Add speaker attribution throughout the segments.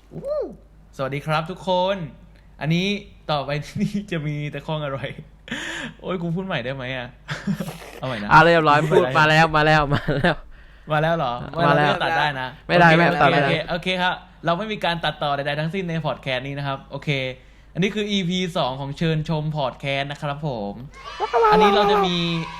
Speaker 1: สวัสดีครับทุกคน อันนี้ต่อไปนี่จะมีแต่ข้องอร่อยโอ้ยกูพูดใหม่ได้ไหมอ่ะ เอาใหม่นะ
Speaker 2: เรียบร้อยพูดมาแล้ว
Speaker 1: มาแล้วเหรอ
Speaker 2: มาแล้ว
Speaker 1: ตัดได้นะ
Speaker 2: ไม่ได้ไม่
Speaker 1: โอเค
Speaker 2: ตัดไม่ได้
Speaker 1: โอเคครับ เราไม่มีการตัดต่อใดๆทั้งสิ้นในพอดแคสต์นี้นะครับ โอเค อันนี้คือ EP 2ของเชิญชมพอดแคสต์นะครับผม อันนี้เราจะมี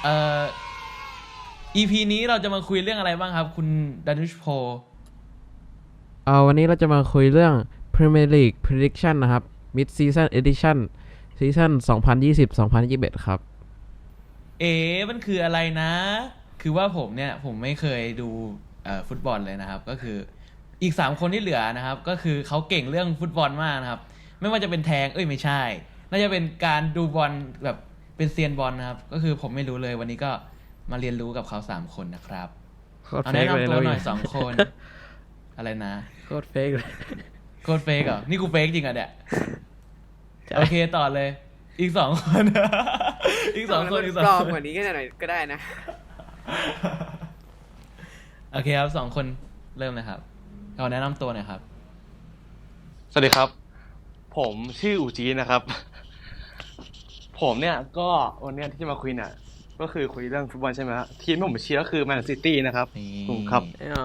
Speaker 1: EP นี้เราจะมาคุยเรื่องอะไรบ้างครับ คุณดานุชโพ
Speaker 2: วันนี้เราจะมาคุยเรื่อง Premier League Prediction นะครับ Mid Season Edition ซีซั่น2020-2021 ครับ
Speaker 1: มันคืออะไรนะ คือว่าผมไม่เคยดูฟุตบอลเลยนะครับ ก็คืออีก3คนที่เหลือนะครับ ก็คือเขาเก่งเรื่องฟุตบอลมากนะครับ ไม่ว่าจะเป็นแทงไม่ใช่ น่าจะเป็นการดูบอลแบบเป็นเซียนบอลนะครับ ก็คือผมไม่รู้เลยวันนี้ก็มาเรียนรู้กับเขา3คนนะครับเอาแนะนำตัวหน่อย2คนอะไรนะ
Speaker 2: โคตรเฟกเลย
Speaker 1: โคตรเฟกเหรอนี่กูเฟกจริงอ่ะเนี่ยโอเคต่อเลยอีก2คนอีก2คน
Speaker 3: ปลอมกว่านี้ก็หน่อยก็ได้นะ
Speaker 1: โอเคครับ2คนเริ่มเลยครับเอาแนะนำตัวหน่อยครับ
Speaker 4: สวัสดีครับผมชื่ออูจีนะครับผมเนี่ยก็วันเนี้ยที่จะมาคุยเนี่ยก็คือคุยเรื่องฟุตบอลใช่ไหมฮะทีมที่ผมเชียร์ก็คือแมนซิตี้นะครับถูกครับ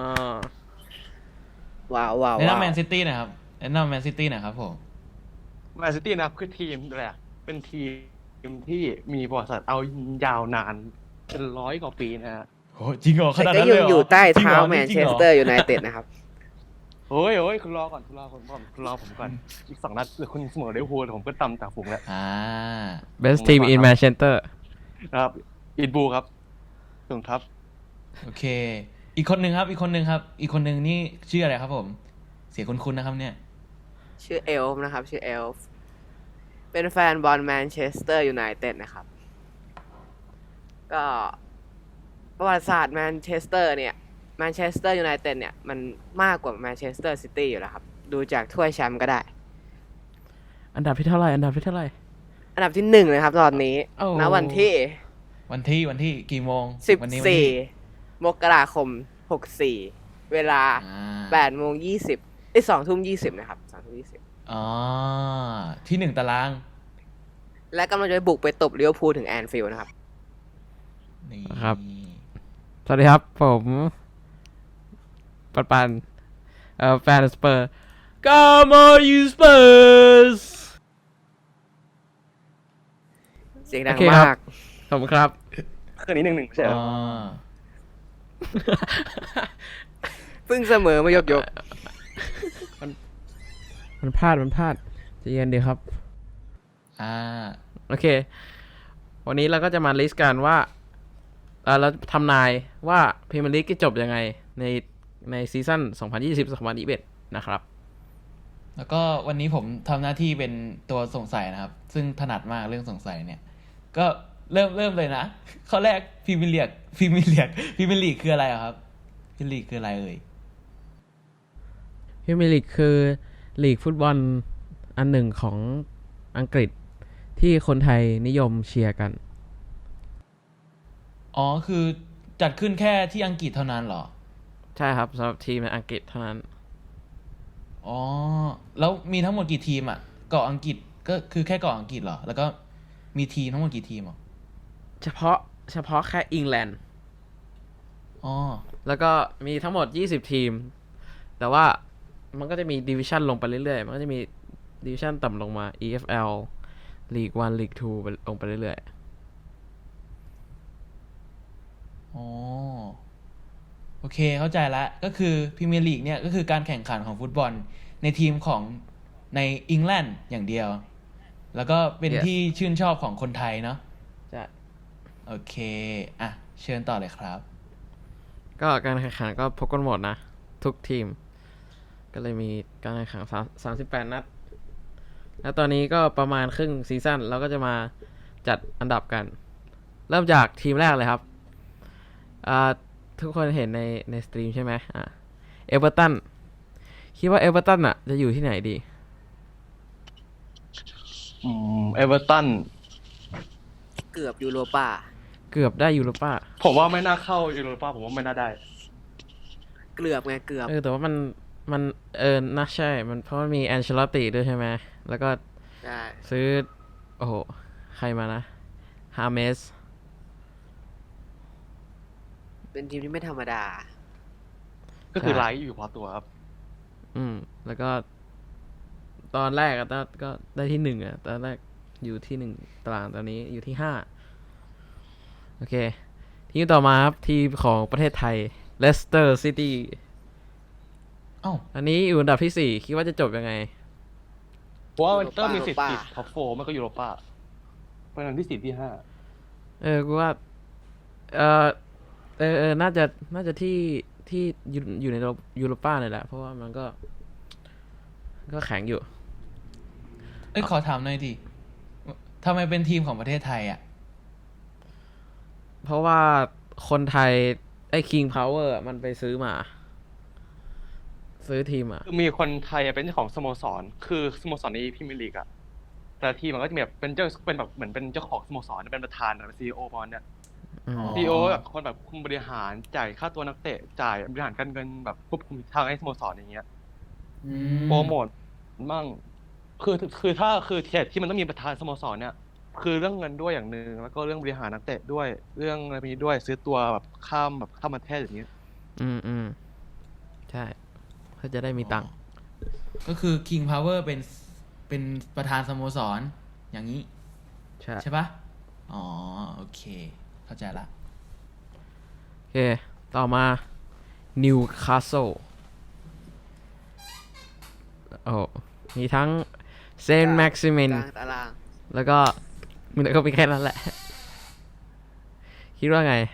Speaker 3: ว้าว
Speaker 1: แนะนำแมนซิตี้หน่อยครับแนะนำแมนซิตี้หน่อยครับผม
Speaker 4: แมนซิตี้นะครับคือทีมแหละเป็นทีมที่มีประวัติศาสตร์เอายาวนานเป็น100 กว่าปีนะฮะ
Speaker 1: โอ้จริงเหรอขนาด
Speaker 3: แต่ก็
Speaker 1: นั้นเลยเหรอ
Speaker 3: อยู่ใต้เท้า
Speaker 1: จริงหร
Speaker 3: แมนเชสเตอร์ยูไนเต็ดนะครับ
Speaker 4: โอ้ยคุณรอก่อนคุณรอผมก่อนอีก2 นัดคุณเสมอลิเวอร์พูลผมก็ตำจากฝูงแล้ว
Speaker 2: Best Team in Manchester
Speaker 4: ครับอินบูครับถูกครับ
Speaker 1: โอเคอีกคนหนึ่งครับอีกคนหนึ่งนี่ชื่ออะไรครับผมเสียงคุ้นๆนะครับเนี่ย
Speaker 3: ชื่อเอลฟ์นะครับชื่อเอลฟ์เป็นแฟนบอลแมนเชสเตอร์ยูไนเต็ดนะครับก็ประวัติศาสตร์แมนเชสเตอร์เนี่ยแมนเชสเตอร์ยูไนเต็ดเนี่ยมันมากกว่าแมนเชสเตอร์ซิตี้อยู่แล้วครับดูจากถ้วยแชมป์ก็ได้
Speaker 2: อันดับที่เท่าไหร่
Speaker 3: อันดับที่1เลยครับตอนนี้ณวัน
Speaker 1: ที่กี่โมง
Speaker 3: 14 มกราคม 64 เวลา 8:20 2:20 นะครับ 2:20
Speaker 1: อ๋อที่1ตาราง
Speaker 3: และกำลังจะบุกไปตบลิเวอร์พูลถึงแอนฟิลด์นะครับ
Speaker 1: นี่
Speaker 2: ครับสวัสดีครับผมปันแฟนสเปอร์ Come on you Spurs
Speaker 3: เสียงดังมาก
Speaker 2: ขอบคุณครับ
Speaker 4: คืนนี้1-1ใช่ไหม
Speaker 3: เพิ่งเสมอมายก
Speaker 2: มันพลาดใจเย็นดีครับโอเควันนี้เราก็จะมาลิสต์กันว่าเราทำนายว่าพรีเมียร์ลีกจะจบยังไงในซีซั่น2020-2021นะครับ
Speaker 1: แล้วก็วันนี้ผมทำหน้าที่เป็นตัวสงสัยนะครับซึ่งถนัดมากเรื่องสงสัยเนี่ยก็เริ่มเลยนะข้อแรกพรีเมียร์ลีกคืออะไรครับพรีเมียร์ลีกคืออะไรเอ่ย
Speaker 2: พรีเมียร์ลีกคือลีกฟุตบอลอันหนึ่งของอังกฤษที่คนไทยนิยมเชียร์กัน
Speaker 1: อ๋อคือจัดขึ้นแค่ที่อังกฤษเท่านั้นเหรอ
Speaker 2: ใช่ครับสำหรับทีมในอังกฤษเท่านั้น
Speaker 1: อ๋อแล้วมีทั้งหมดกี่ทีมอ่ะเกาะอังกฤษก็คือแค่เกาะอังกฤษเหรอแล้วก็มีทีมทั้งหมดกี่ทีมอ่ะ
Speaker 2: เฉพาะแค่อังกฤษ
Speaker 1: อ๋อ
Speaker 2: แล้วก็มีทั้งหมด20ทีมแต่ว่ามันก็จะมีดิวิชั่นลงไปเรื่อยๆมันก็จะมีดิวิชั่นต่ำลงมา EFL League 1 League 2ลงไปเรื่อย
Speaker 1: ๆอ๋อโอเคเข้าใจละก็คือพรีเมียร์ลีกเนี่ยก็คือการแข่งขันของฟุตบอลในทีมของในอังกฤษอย่างเดียวแล้วก็เป็นที่ชื่นชอบของคนไทยเนาะ
Speaker 2: ใช่
Speaker 1: โอเคอ่ะเชิญต่อเลยครับ
Speaker 2: ก็การแข่งขันก็พบกันหมดนะทุกทีมก็เลยมีการแข่งขัน38 นัดแล้วตอนนี้ก็ประมาณครึ่งซีซั่นเราก็จะมาจัดอันดับกันเริ่มจากทีมแรกเลยครับทุกคนเห็นในสตรีมใช่ไหมเอเวอร์ตันคิดว่าเอเวอร์ตันอ่ะจะอยู่ที่ไหนดี
Speaker 4: เอเวอร์ตัน
Speaker 3: เกือบยูโรป้า
Speaker 2: เกือบได้ยูโรป้า
Speaker 4: ผมว่าไม่น่าเข้ายูโรป้าผมว่าไม่น่าได้
Speaker 3: เกือบไงเกือบ
Speaker 2: แต่ว่ามันมันน่าใช่ มันเพราะมันมีแอนเชลอตติด้วยใช่ไหม แล้วก็
Speaker 3: ได้
Speaker 2: ซื้อ โอ้โห ใครมานะ ฮาเมส
Speaker 3: เป็นทีมที่ไม่ธรรมดา
Speaker 4: ก็คือ
Speaker 2: ใช่
Speaker 4: ไลท์อยู่พอตัวครับ
Speaker 2: แล้วก็ ตอนแรกอะก็ได้ที่ 1อะตอนแรกอยู่ที่ 1 ตารางตอนนี้อยู่ที่ 5 โอเค ทีมต่อมาครับ ทีมของประเทศไทย เลสเตอร์ซิตี้
Speaker 1: เอ้า
Speaker 2: อันนี้อยู่อันดับที่ 4 คิดว่าจะจบยังไง
Speaker 4: เพราะว่ามันเตอร์มีสิทธิ์
Speaker 3: Europa
Speaker 4: ติดท็อปโฟมันก็ยูโรป้าเป็นอันที่4ที่5
Speaker 2: กูว่า เออน่าจะที่อยู่ในยูโรป้าเนี่ยแหละ เพราะว่ามันก็แข็งอยู่
Speaker 1: เอ้ยขอถามหน่อยดิทำไมเป็นทีมของประเทศไทยอ่ะ
Speaker 2: เพราะว่าคนไทย ไอ้ King Power อะมันไปซื้อมา ซื้อทีมอ่ะ
Speaker 4: คือมีคนไทยเป็นเจ้าของสโมสร คือสโมสรในพรีเมียร์ลีกอะแต่ละทีมมันก็จะมีแบบเป็นแบบเหมือนเป็นเจ้าของสโมสรเป็นประธานเป็นซีอีโอประมาณเนี้ย
Speaker 2: อืม
Speaker 1: อ๋อ
Speaker 4: ซีอีโอแบบคนแบบคุมบริหารจ่ายค่าตัวนักเตะจ่ายบริหารการเงินแบบควบคุมทางให้สโมสรอย่างเงี้ย
Speaker 1: อืม
Speaker 4: โปรโมทมั่งคือถ้าคือที่มันต้องมีประธานสโมสรเนี่ย คือเรื่องเงินด้วยอย่างหนึ่งแล้วก็เรื่องบริหารนักเตะด้วยเรื่องอะไรพวกนี้ด้วยซื้อตัวแบบข้ามประเทศอย่างเงี้ย
Speaker 2: อืมใช่เพื่อจะได้มีตังค์
Speaker 1: ก็คือ King Power เป็นประธานสโมสร อย่างนี้
Speaker 2: ใช่
Speaker 1: ใช่ปะอ๋อ โอเค เข้าใจละ
Speaker 2: โอเค ต่อมานิวคาสเซิลโอ้มีทั้งเซนต์แม็กซิมิน
Speaker 3: กลางตาราง
Speaker 2: แล้วก็มันก็มีแค่นั้นแหละ คิดว่าไง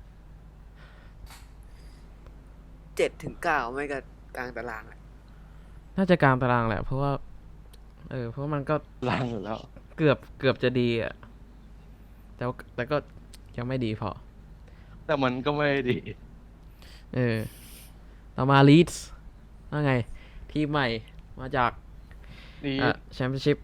Speaker 3: 7-9ไม่ก็กลางตารางอะ
Speaker 2: น่าจะกลางตารางแหละ เพราะว่า เพราะมันก็
Speaker 4: ลังอยู่แล้ว
Speaker 2: เกือบจะดีอ่ะ แต่ก็ยังไม่ดีพอ
Speaker 4: แต่มันก็ไม่ดี
Speaker 2: ต่อมาลีดส์ว่าไง ทีมใหม่มาจาก
Speaker 4: ดี
Speaker 2: แชมเปี้ยนชิพ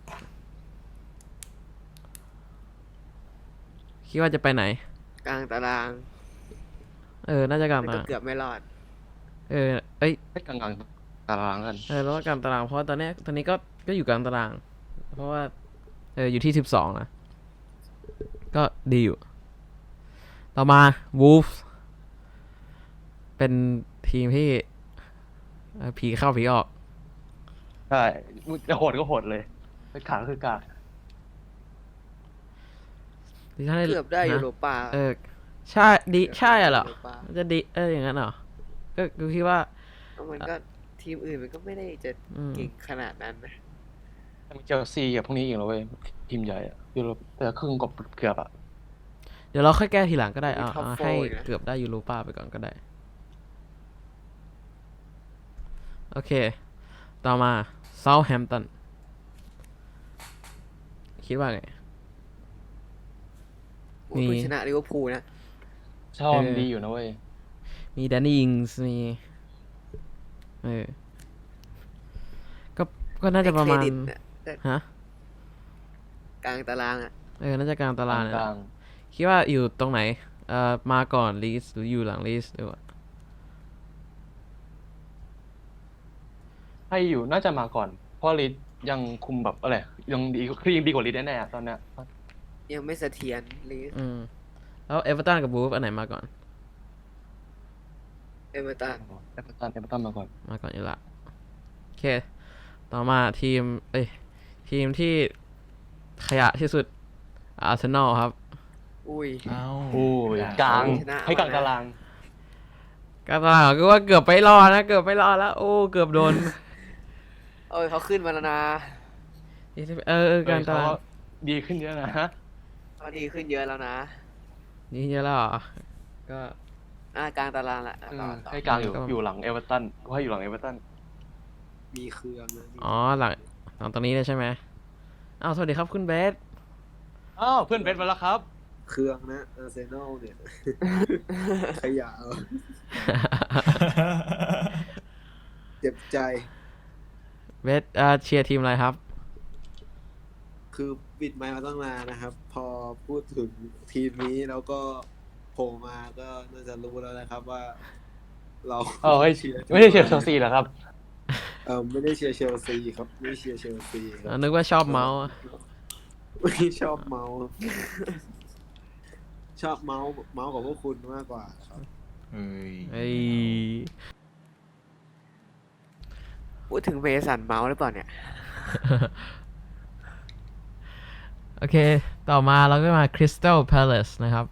Speaker 2: คิดว่าจะไปไหน
Speaker 3: กลางตาราง
Speaker 2: น่าจะกลาง
Speaker 3: แต่
Speaker 2: ตา
Speaker 3: ก็
Speaker 2: ราง
Speaker 3: เกือบไม่รอด
Speaker 2: เอ้ย
Speaker 4: ให้กลางตารางกัน
Speaker 2: แล้วก็กลางตาราง เพราะว่าตอนนี้ก็อยู่กลางตาราง เพราะว่า อยู่ที่ 12 นะ ก็ดีอยู่ ต่อมา Wolves เป็นทีมที่ผีเข้าผีออก
Speaker 4: ใช่จะโหดก็โหดเลยไปขาคือกาก
Speaker 2: ดิฉัน
Speaker 3: เกือบได้ยูโรปา
Speaker 2: ใช่ดีใช่เหรอ
Speaker 3: ยูโปา
Speaker 2: มันจะดีอย่างนั้นเหรอ ก็คิดว่า
Speaker 3: แล้วมันก็ทีมอื่นมันก็ไม่ได้จะ
Speaker 2: อืม
Speaker 3: เก่งขนาดนั้นนะ
Speaker 4: มีเชลซีกับพวกนี้อีกแล้วเว้ยทีมใหญ่อะยูโรแต่ครึ่งกบเกือบอะ
Speaker 2: เดี๋ยวเราค่อยแก้ทีหลังก็ได้
Speaker 3: มี top
Speaker 2: ให้
Speaker 3: four อีกนะ
Speaker 2: เกือบได้ยูโรป้าไปก่อนก็ได้ โอเค ต่อมา Southampton คิดว่าไง
Speaker 3: โอ้ยเพิ่งชนะลิเวอร์พูลนะ
Speaker 4: ชอบ
Speaker 2: เออ
Speaker 4: ดีอยู่นะเว้ย
Speaker 2: มีแดนนี่อิงส์มีก็น่าจะประมาณ
Speaker 3: ให้เครดิตน่ะแต่
Speaker 2: ฮะ
Speaker 3: กลางตารางอ่ะ
Speaker 2: น่าจะกลางตารางเนี่ย
Speaker 4: ก
Speaker 2: แห
Speaker 4: ลา
Speaker 2: ละ
Speaker 4: ง
Speaker 2: คิดว่าอยู่ตรงไหน มาก่อนลีสหรืออยู่หลังลีสหรือว่า
Speaker 4: ให้อยู่น่าจะมาก่อน เพราะลิดยังคุมแบบอะไรยังดีคือยังดีกว่าลิดแน่ๆอะตอนเนี้ย
Speaker 3: ยังไม่เสถียรลีส
Speaker 2: แล้วเอเวอร์ตันกับบูฟอันไหนมาก่อน
Speaker 3: เอเวอร์ตัน
Speaker 4: เอเวอร์ตันมาก่อน
Speaker 2: มาก่อนอยู่ละโอเค ต่อมาทีมที่ขยะที่สุดอาร์เซนอลครับ
Speaker 3: อุ้ย
Speaker 1: เอ้า
Speaker 4: โอ้ยกลาง
Speaker 3: ชนะ
Speaker 4: ให้กลาง
Speaker 3: มานะ
Speaker 4: ตาราง
Speaker 2: กาตาก็ว่าเกือบไปรอดนะ เกือบไปรอดแล้ว โอ้ เกือบโดน
Speaker 3: โอ้ยเขาขึ้นมาแล้วนะ
Speaker 2: การตาราง
Speaker 4: เขดีขึ้นเยอะนะฮะ
Speaker 3: เขาดีขึ้นเยอะแล้วนะ
Speaker 2: นี่เยอะแล้วเหรอก็
Speaker 3: กลางตารางละต่อ
Speaker 4: ให้กลางอยู่
Speaker 2: ก็
Speaker 4: อยู่หลังเอเวอร์ตันก็ให้อยู่หลังเอเวอร์ตัน
Speaker 3: มีเครื่องนะ
Speaker 2: อ๋อหลังตรงนี้เลยใช่ไหมอ้าวสวัสดีครับคุณเบส
Speaker 4: อ้าวเพื่อนเบสมาแล้วครับ
Speaker 5: เครื่องนะอาร์เซนอลเนี่ย ขยะเอาเจ็บใจ
Speaker 2: เบสเชียร์ทีมอะไรครับ
Speaker 5: คือปิดไมค์มาตั้งนานนะครับ พอพูดถึงทีมนี้แล้วก็โผล่มาก็น่าจะรู้แล้วนะครับว่าเรา
Speaker 4: เออไม่
Speaker 5: เชียร์
Speaker 4: ไม่ได้เชียร์เชลซีเหรอครับ
Speaker 5: ไม่ได้เชียร์เชลซีครับไม่เชียร์เชลซีครั
Speaker 2: นึกว่าชอบเมาส์อะ
Speaker 5: ไม่ชอบเมาส์ชอบเมาส์กับพวกคุณมากกว่าครับ
Speaker 1: เอ้ย
Speaker 2: เอ้ย
Speaker 3: พูดถึงเมสันเมาส์หรือเปล่าเนี่ย
Speaker 2: โอเค ต่อมาเราก็มา Crystal Palace นะครับ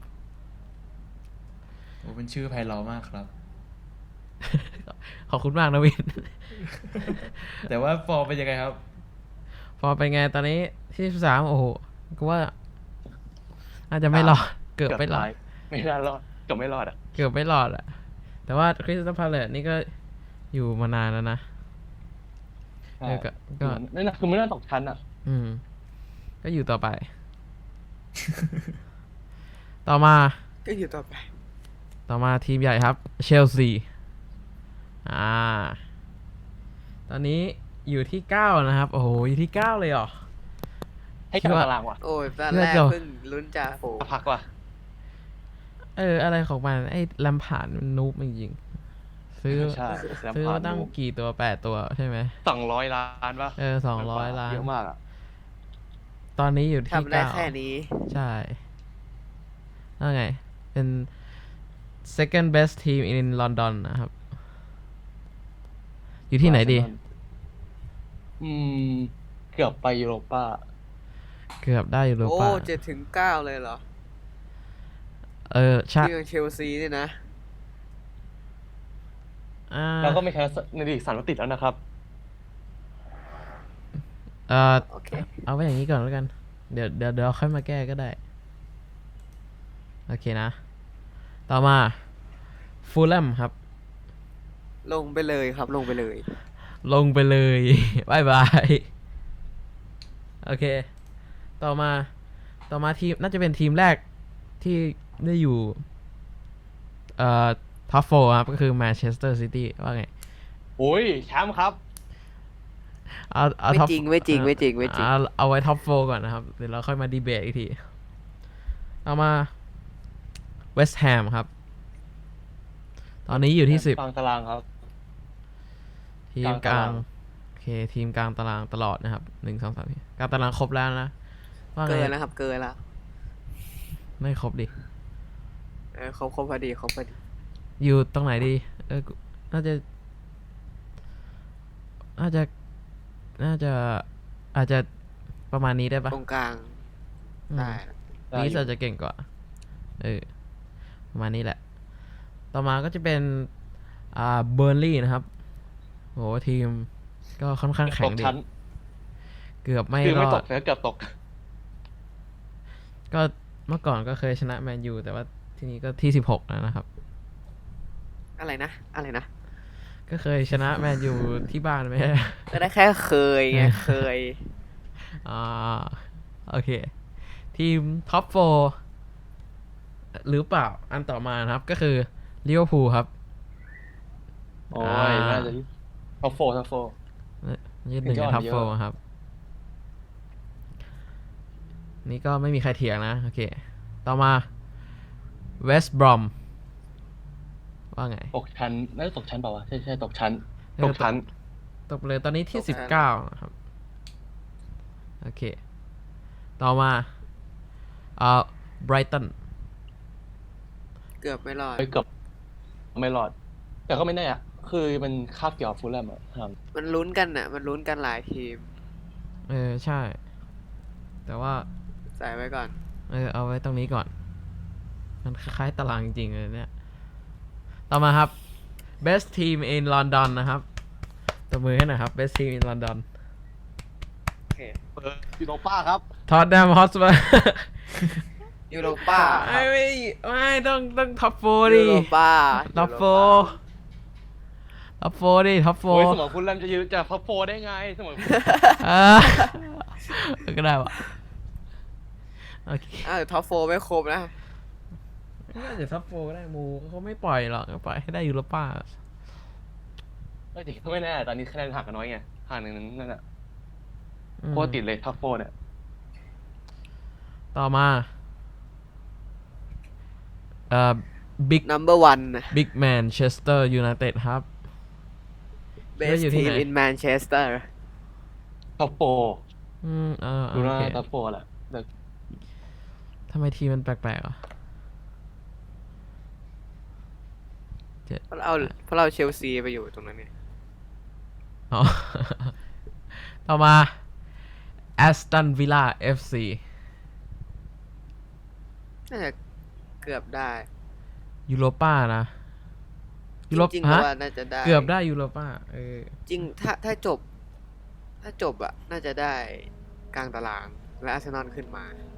Speaker 1: โอ้เป็นชื่อไพเราะมากครับ
Speaker 2: ขอบคุณมากนะวิน
Speaker 1: แต่ว่าฟอร์มเป็นยังไงครับ
Speaker 2: พอเป็นไงตอนนี้ที่13โอ้โหก็ว่าอาจจะไม่รอด เกือบไม่รอด
Speaker 4: ไม่น่ารอดเกือบไม่รอดอ่ะ
Speaker 2: เกือบไม่รอดอะแต่ว่า Crystal Palace นี่ก็อยู่มานานแล้วนะ
Speaker 4: ใช่
Speaker 2: ก็
Speaker 4: ไม่น่าคือไม่น่าตกชั้นอ่ะ
Speaker 2: อืม ก็อยู่ต่อไป ต่อมา
Speaker 3: ก็อยู่ต่อไป
Speaker 2: ต่อมาทีมใหญ่ครับ เชลซี ตอนนี้อยู่ที่ 9 นะครับ โอ้โห อยู่ที่ 9 เลยเหรอ
Speaker 4: ให้กลางตารางว่ะ
Speaker 3: โอ้ยตอน
Speaker 2: เลื
Speaker 3: แร
Speaker 2: อก
Speaker 3: ก
Speaker 2: เดี๋ยว
Speaker 3: เพิ่งลุ้นจ่าฝูง
Speaker 4: พักว่ะ
Speaker 2: อะไรของมัน ไอ้ลำผ่านมันนูบจริงๆซื้อ
Speaker 4: ใช่
Speaker 2: ซื้อมาตั้งกี่ตัว 8 ตัวใช่ไหม
Speaker 4: 200 ล้านป่ะ
Speaker 2: 200 ล้าน
Speaker 4: เยอะมากอ่ะ
Speaker 2: ตอนนี้อยู่ที่
Speaker 3: ทำได้
Speaker 2: 9
Speaker 3: แค่นี้
Speaker 2: ใช่แล้วไง เป็น second best team in London นะครับ อยู่ที่ไหนดี
Speaker 4: อืม เกือบไปยูโรป้า
Speaker 2: เกือบได้อยู่หรือ
Speaker 3: โอ้
Speaker 2: เปล่า
Speaker 3: 7-9 เลยเหรอ
Speaker 2: ใช่
Speaker 3: ที่เชลซีนี่นะ
Speaker 4: แล้วก็ไม่แพ้ในลีก3 นัดติดแล้วนะครับ
Speaker 3: โอเค
Speaker 2: เอาไว้อย่างนี้ก่อนแล้วกัน เดี๋ยวค่อยมาแก้ก็ได้ โอเคนะ ต่อมาฟูลแลมครับ
Speaker 3: ลงไปเลยครับ ลงไปเลย
Speaker 2: ลงไปเลย บายบาย โอเค ต่อมาทีมน่าจะเป็นทีมแรกที่ได้อยู่ท็อปโฟครับ ก็คือแมนเชสเตอร์ซิตี้ว่าไง
Speaker 4: โอ้ยแชมป์ครับ
Speaker 2: เอา
Speaker 3: ไม่
Speaker 2: top
Speaker 3: จริงไม่จริงไม่จริงไม่จริง
Speaker 2: เอาไว้ท็อปโฟก่อนนะครับ เดี๋ยวเราค่อยมาดีเบตอีกที เอามาเวสต์แฮมครับ ตอนนี้อยู่ที่
Speaker 4: กลางตารางครับ
Speaker 2: 10 ทีมกลาง
Speaker 4: กลางตาราง
Speaker 2: โอเค ทีมกลางตารางตลอดนะครับ1 2 3 4กลางตารางครบแล้วนะว่าไง
Speaker 3: เกินแล้วครับ เกินแล้ว
Speaker 2: ไม่ครบดิ
Speaker 3: ครบพอดีครบพอดี
Speaker 2: อยู่ตรงไหนดี น่าจะอาจจะประมาณนี้ได้ปะ
Speaker 3: ตรงกลาง
Speaker 2: อืม
Speaker 3: ได้
Speaker 4: ได้
Speaker 2: ลีส
Speaker 4: อยู่
Speaker 2: อาจจะเก่งกว่า ประมาณนี้แหละ ต่อมาก็จะเป็นเบอร์ลี่นะครับโหทีมก็ค่อนข้างแข็
Speaker 4: ต
Speaker 2: ง
Speaker 4: ก
Speaker 2: ดี
Speaker 4: ชั้น
Speaker 2: เกือบไม่
Speaker 4: คือ
Speaker 2: ร
Speaker 4: ไม่
Speaker 2: อ
Speaker 4: ต
Speaker 2: ด
Speaker 4: กแต่ก็เกือบตก
Speaker 2: ก็เมื่อก่อนก็เคยชนะแมนยูแต่ว่าทีนี้ก็ที่16แล้วนะครับ
Speaker 3: อะไรนะ อะไรนะ
Speaker 2: ก็เคยชนะแมนยูที่บ้านไหม
Speaker 3: ก็ได้แค่เคยไง เคย
Speaker 2: โอเค ทีมท็อปโฟหรือเปล่า อันต่อมานะครับ ก็คือลิเวอร์พูลครับ
Speaker 4: โอ้ยน่าจะท็อปโฟ
Speaker 2: ยืดหนึ่ง
Speaker 4: ถึงจะ
Speaker 2: ใน
Speaker 4: อ่อน
Speaker 2: ท็อป
Speaker 4: เยอะ
Speaker 2: โฟครับ นี่ก็ไม่มีใครเถียงนะ โอเค ต่อมาเวสต์บรอมว่าไง
Speaker 4: ตกชั้นน่าจะตกชั้นเปล่าวะใช่ตกชั้น
Speaker 2: เออ
Speaker 4: ตกชั้น
Speaker 2: ตกไปเลยตอนนี้ที่
Speaker 3: ตกชั้น
Speaker 2: 19นะครับ โอเค ต่อมาไบรตัน
Speaker 3: เกือบไม่รอด
Speaker 4: ไปเกือบไม่รอด แต่ก็ไม่แน่อะคือมันคาบเกี่ยวกับฟูลแลมอะครับ
Speaker 3: มันลุ้นกันน่ะ มันลุ้นกันหลายทีม
Speaker 2: ใช่ แต่ว่า
Speaker 3: ใส่ไว้ก่อน
Speaker 2: เอาไว้ตรงนี้ก่อน มันคล้ายๆตารางจริงๆเลยเนี่ย ต่อมาครับ best team in London นะครับตบมือให้หน่อยครับ best team in London
Speaker 3: โอเค
Speaker 4: ยูโรป้าครับ
Speaker 2: Tottenham Hotspur
Speaker 3: ยูโรป้า
Speaker 2: ไม่ต้องท็อปโฟ
Speaker 3: ยู
Speaker 2: ดิ
Speaker 3: โรป้า
Speaker 2: ท็อปโฟท็อปโฟดิท็อปโฟ
Speaker 4: โอ้ยเสมอฟูลแลมจะยืนจะท็อปโฟได้ไงเสมอ
Speaker 2: ก็ได้วะโอเค
Speaker 3: ท็อปโฟไม่ครบนะ
Speaker 2: น่าจะท็อปโฟก็ได้มูเขาไม่ปล่อยหรอกก็ปล่อยให้ได้ยูโรป้า
Speaker 4: เอ้ยจริงก็ไม่แน่ตอนนี้คะแนนห่างกันน้อยไงห่างหนึ่งนั่นแหละ
Speaker 2: อืม
Speaker 4: โคตรติดเลยท็อปโฟเนี่ย
Speaker 2: ต่อมา Big
Speaker 3: number one
Speaker 2: Big Manchester United ครับ
Speaker 3: best
Speaker 2: อยู่ที่
Speaker 3: team
Speaker 2: ไหน
Speaker 3: in Manchester
Speaker 4: ท็อปโปร
Speaker 2: โอ
Speaker 4: ดูหน้า
Speaker 2: เค
Speaker 4: ท็อปโปรแหละแต่
Speaker 2: ทำไมทีมมันแปลกๆอ่ะ
Speaker 3: เพราะเราเชลซีไปอยู่ตรงนั้นเนี่ย
Speaker 2: อ๋อ ต่อมา Aston Villa FC
Speaker 3: น่าจะเกือบได้
Speaker 2: ยูโรป้านะยูโร
Speaker 3: จริงๆก็
Speaker 2: ฮะ
Speaker 3: ว่าน่าจะได้
Speaker 2: เกือบได้ยูโรป้า
Speaker 3: จริงถ้าจบ อะน่าจะได้กลางตารางและอาร์เซนอลขึ้นมา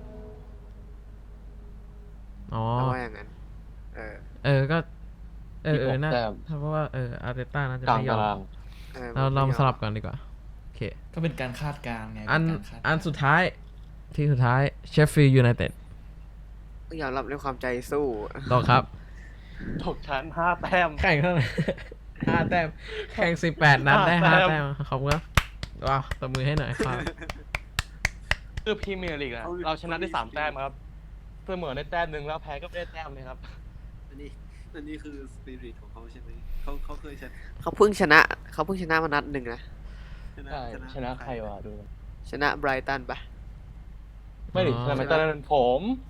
Speaker 2: อ๋อ
Speaker 3: แล้วว่าอย่างนั้น
Speaker 2: ก็
Speaker 4: 16
Speaker 2: น่า
Speaker 4: แต้ม
Speaker 2: เพราะว่าอาร์เตต้าน่าจะ
Speaker 4: กลาง
Speaker 2: ไม่ยอ
Speaker 4: ตาม ราง
Speaker 2: เราลองสลับกันดีกว่า โอเค
Speaker 1: ก็เป็นการคาดการณ์ไง
Speaker 2: อัน
Speaker 1: เป็นการคาดการณ์
Speaker 2: สุดท้าย ทีสุดท้าย Sheffield United
Speaker 3: ต้องยอมรับในความใจสู้
Speaker 2: ต่อครับ
Speaker 4: ตกชั้น5 แต้ม
Speaker 2: แข่งเท่าไหร่ 5 แต้ม แข่ง 18 นัดได้
Speaker 4: 5
Speaker 2: 5
Speaker 4: แต้ม
Speaker 2: แต้ม ขอบคุณครับ ว้าวตบมือให้หน่อยครับ
Speaker 4: คือพรีเมียร์ลีกอะเราชนะได้3 แต้มครับเสมอได้แต้มหนึ่งแล้วแพ้ก็ได้แต้มเลยครับ
Speaker 5: อันนี้คือสปิริตของเขาใช่ไหมเขาเคยชนะ
Speaker 3: เขาเพิ่งชนะมานัดหนึ่งนะ
Speaker 4: ใช่ชนะใครวะดู
Speaker 3: ชนะไบรตันปะ
Speaker 4: ไม่ดิ
Speaker 2: อ๋อ
Speaker 4: ชนะมาตอนนั้นผม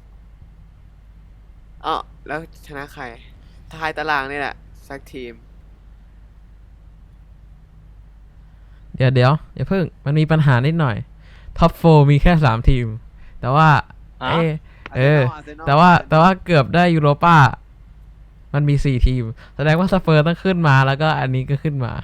Speaker 3: อ๋อแล้วชนะใครท้ายตารางนี่แหละสักทีม
Speaker 2: เดี๋ยวอย่าเพิ่ง มันมีปัญหานิดหน่อย ท็อป4มีแค่ 3 ทีม แต่ว่า
Speaker 4: อ่ะ
Speaker 2: แต่ว่าเกือบได้ยูโรป้า มันมี 4 ทีม แสดงว่าสเปอร์ต้องขึ้นมาแล้วก็อันนี้ก็ขึ้นมา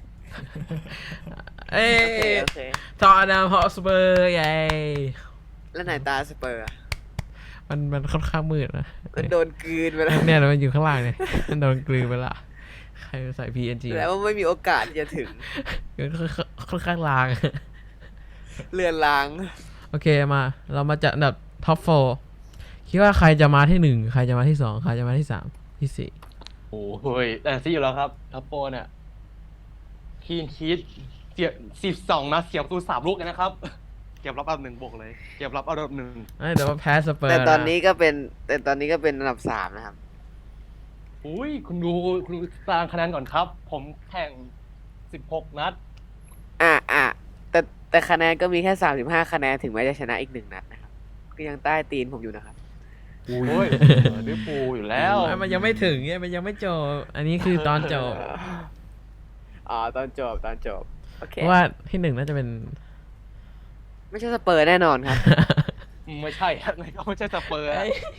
Speaker 2: เอ้
Speaker 3: โอเค
Speaker 2: ทอร์นามฮอสเปอร์ใหญ่
Speaker 3: แล้วไหนตาสเปอร์อะ
Speaker 2: มันค่อนข้างมืดนะ
Speaker 3: มันโดนกลืนไปแล้ว
Speaker 2: เนี่ยมันอยู่ข้างล่างเนี่ย มันโดนกลืนไปละ ใครใส่ PNG
Speaker 3: แล้วว่าไม่มีโอกาสที่จะถึง
Speaker 2: ค่อนข้างลาง
Speaker 3: เลือนลาง
Speaker 2: โอเคมา เรามาจัดอันดับท็อป4คิดว่าใครจะมาที่ 1 ใครจะมาที่ 2 ใครจะมาที่ 3 ที่
Speaker 4: โอ้โหแต่ซี่อยู่แล้วครับท็อปโปรเนี่ยคีนคีดเสีย12 นัดเสียประตู3 ลูกเลยนะครับ เก็บรับอันดับ 1 บวกเลย เก็บรับอันดับ 1
Speaker 2: 4แต่ว่าแพ้สเปอร์
Speaker 3: แต่ตอน
Speaker 2: นะ
Speaker 3: นี้ก็เป็นอันดับ 3 นะครับ
Speaker 4: อุ้ยคุณดูตารางคะแนนก่อนครับ ผมแข่ง16 นัด
Speaker 3: แต่คะแนนก็มีแค่35 คะแนนถึงแม้จะชนะอีก1 นัดนะครับ ก็ยังใต้ตีนผมอยู่นะครับ
Speaker 4: โอ้ยลิเวอร์พูลอยู่แล้ว
Speaker 2: มันยังไม่ถึงเนี่ยมันยังไม่จบ อันนี้คือตอนจบ
Speaker 3: อ๋อตอนจบ โอเค
Speaker 2: เพราะว่าที่ 1 น่าจะเป็น
Speaker 3: ไม่ใช่สเปอร์แน่นอนครับ
Speaker 4: ไม่ใช่ครับไม่ใช่สเปอร์อะ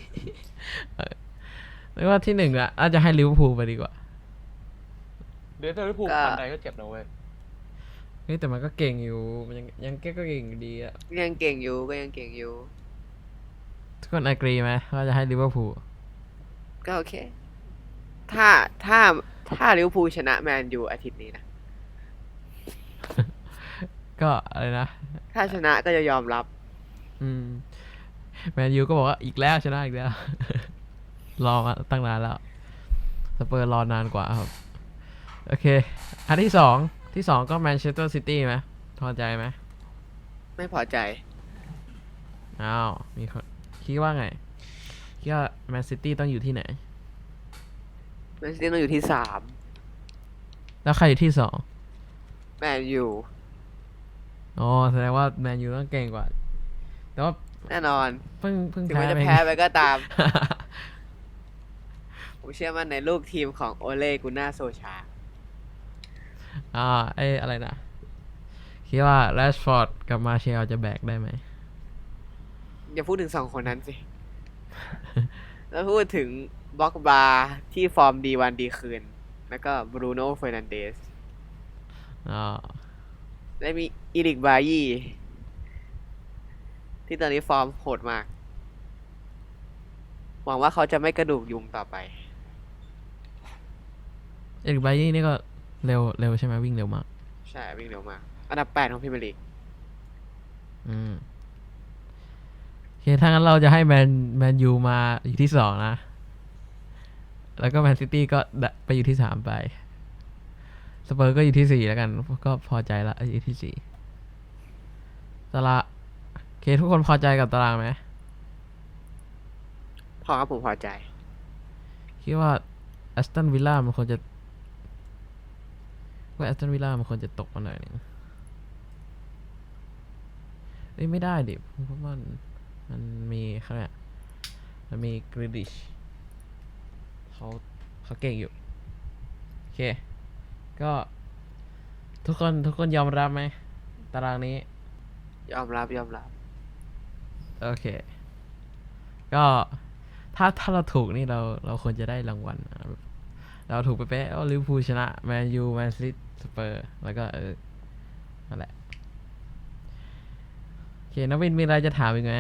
Speaker 2: ไม่ว่าที่ 1 ละอาจจะให้ลิเวอร์พูลไปดีกว่า
Speaker 4: เดี๋ยวลิเวอร์พูล
Speaker 3: ก็
Speaker 4: ปันใดก็เจ็บนะเว้ย
Speaker 2: เฮ้ยแต่มันก็เก่งอยู่ มันยังก็เก่งอยู่ดีอะ
Speaker 3: ยังเก่งอยู่
Speaker 2: ทุกคนอกรีไหมว่าจะให้ลิเวอร์พูล
Speaker 3: ก็โอเค ถ้าลิเวอร์พูลชนะแมนยูอาทิตย์นี้นะ
Speaker 2: ก็อะไรนะ
Speaker 3: ถ้าชนะก็จะยอมรับ
Speaker 2: แมนยูก็บอกว่าอีกแล้วชนะอีกแล้ว รอมาตั้งนานแล้วสเปอร์รอนานกว่าครับ โอเค อันที่ 2 ก็แมนเชสเตอร์ซิตี้ไหมพอใจไหม
Speaker 3: ไม่พอใจ
Speaker 2: อ้าวมีคนคิดว่าไงคิดว่าแมนซิตี้ต้องอยู่ที่ไหน
Speaker 3: แมนซิตี้ต้องอยู่ที่
Speaker 2: แล้วใครอยู่ที่
Speaker 3: 3 แมนยู
Speaker 2: 2อ๋อแสดงว่าแมนยูต้องเก่งกว่า แต่ว่า
Speaker 3: แน่นอน
Speaker 2: เพิ่ง
Speaker 3: ถึง
Speaker 2: แพ้
Speaker 3: แม้จะ
Speaker 2: ไป
Speaker 3: แพ้ไปก็ตาม ผมเชื่อมั่นในลูกทีมของโอเล่กุน่าโซชา
Speaker 2: อะไรนะคิดว่าแรชฟอร์ดกับมาเชลจะแบกได้ไหม
Speaker 3: อย่าพูดถึง 2 คนนั้นสิ แล้วพูดถึงบล็อกบาร์ที่ฟอร์มดีวันดีคืน แล้วก็บรูโน่เฟอร์นันเดส
Speaker 2: อ๋อ
Speaker 3: และมีอีริกบายี่ที่ตอนนี้ฟอร์มโหดมาก หวังว่าเขาจะไม่กระดูกยุงต่อไป
Speaker 2: เอกไบยี่นี่ก็เร็วใช่ไหมวิ่งเร็วมาก
Speaker 3: ใช่ วิ่งเร็วมาก อันดับ 8 ของพรีเมียร์ลีก
Speaker 2: โอเคถ้างั้นเราจะให้แมนยูมาอยู่ที่ 2 นะ แล้วก็แมนซิตี้ก็ไปอยู่ที่ 3 ไปสเปอร์ก็อยู่ที่ 4 แล้วกัน ก็พอใจละอยู่ที่ 4ตารางโอเคทุกคนพอใจกับตารางไหม
Speaker 3: พอครับผมพอใจ
Speaker 2: โอเคคิดว่าแอสตันวิลล่ามันควรจะตกมาหน่อยนึงเอ้ยไม่ได้ดิเพราะมันมีเขาเนี่ยมันมีกริดิชเขาเก่งอยู่โอเคก็ทุกคนยอมรับไหมตารางนี้
Speaker 3: ยอมรับ
Speaker 2: โอเค ก็ถ้าเราถูกนี่เราควรจะได้รางวัลนะแบบเราถูกไปเป๊ะลิเวอร์พูลชนะแมนยูแมนซิตี้สเปอร์แล้วก็นั่นแหละโอเคน้องวินมีอะไรจะถามอีกไหม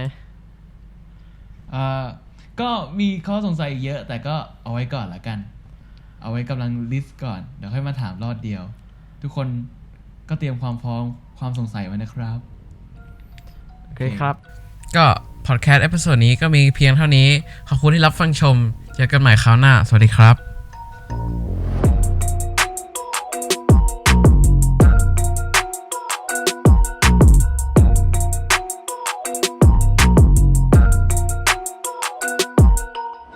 Speaker 1: ก็มีข้อสงสัยอีกเยอะ แต่ก็เอาไว้ก่อนละกัน เอาไว้กำลังลิสต์ก่อน เดี๋ยวค่อยมาถามรอดเดียว ทุกคนก็เตรียมความพร้อมความสงสัยไว้นะครับ
Speaker 2: โอเคครับ ก็พอดแคสต์เอพิโซดนี้ก็มีเพียงเท่านี้ ขอบคุณที่รับฟังชม เจอกันใหม่คราวหน้า สวัสดีครับ